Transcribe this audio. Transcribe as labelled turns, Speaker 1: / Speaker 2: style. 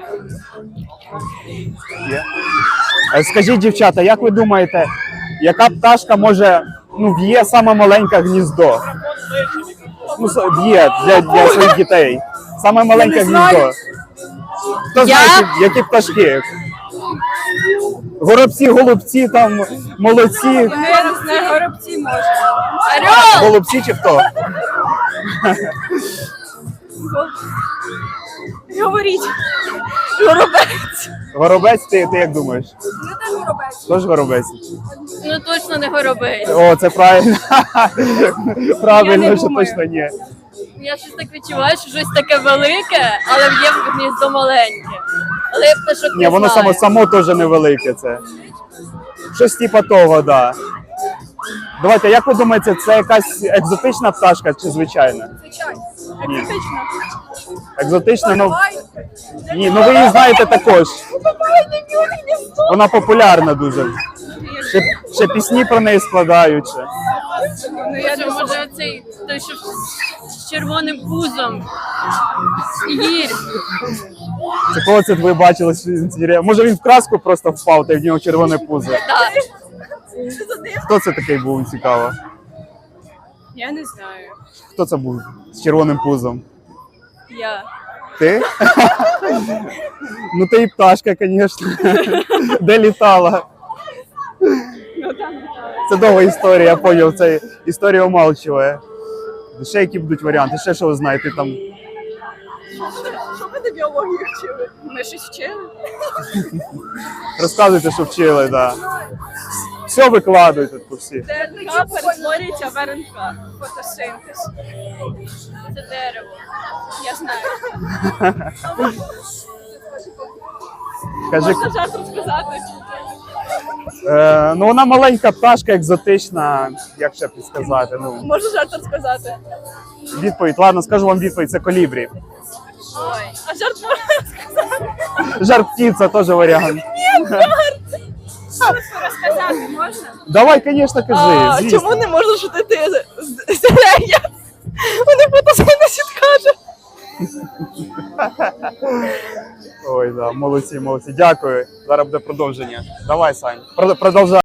Speaker 1: Є. Скажіть, дівчата, як ви думаєте, яка пташка може, в'є саме маленьке гніздо? В'є для своїх дітей. Саме маленьке гніздо. Хто знає, які пташки? Горобці, голубці, там, молодці.
Speaker 2: Я не знаю, горобці може.
Speaker 1: Голубці чи хто?
Speaker 2: Говоріть. Горобець.
Speaker 1: Горобець, ти як думаєш?
Speaker 2: Ну теж горобець.
Speaker 1: Тож горобець?
Speaker 2: Ну точно не горобець.
Speaker 1: О, це правильно. Правильно,
Speaker 2: Я не
Speaker 1: що
Speaker 2: думаю.
Speaker 1: точно ні.
Speaker 2: Я щось так відчуваю, що щось таке велике, але є в гніздо маленьке. Але я пташок
Speaker 1: Ні,
Speaker 2: не
Speaker 1: воно
Speaker 2: знаю.
Speaker 1: само теж невелике це. Щось типа того, да. Давайте, як ви думаєте, це якась екзотична пташка чи звичайна?
Speaker 2: Звичайно.
Speaker 1: Ні.
Speaker 2: Екзотично.
Speaker 1: Екзотична, ні, ви її знаєте також. Вона популярна дуже. Ще пісні про неї складають. Ще.
Speaker 2: Ну я думаю, може оцей, той, що з червоним пузом. Гір.
Speaker 1: Це кого це ви бачили? Може він в краску просто впав, та й в нього червоне пузо.
Speaker 2: Так.
Speaker 1: Хто це такий був, цікаво?
Speaker 2: Я не знаю.
Speaker 1: Хто це був з червоним пузом?
Speaker 2: Я.
Speaker 1: Ти? Ну ти і пташка, звісно. Де літала? Це довга історія, я зрозумів. Це історія умалчує. Ще які будуть варіанти? Ще що ви знаєте там?
Speaker 2: Що ви на біології вчили? Ми щось вчили?
Speaker 1: Розказуйте, що вчили, так. Да. Все викладуйте тут всі.
Speaker 2: ДНК перетворюється в РНК. Фотосинтез. Це дерево. Я знаю.
Speaker 1: Кажи,
Speaker 2: Можна жарт розказати?
Speaker 1: ну вона маленька пташка, екзотична, як ще підсказати. Ну,
Speaker 2: Можна жарт розказати?
Speaker 1: відповідь, ладно, скажу вам відповідь, це колібрі.
Speaker 2: Ой. А жарт можна розказати?
Speaker 1: Жар птиця теж варіант.
Speaker 2: Розказати можна?
Speaker 1: Давай, звісно, кажи. Звісно.
Speaker 2: Чому не можна шутити зелення? Вони фотосинтез каже.
Speaker 1: Ой, да, молодці, молодці. Дякую. Зараз буде продовження. Давай, Сань, продовжай.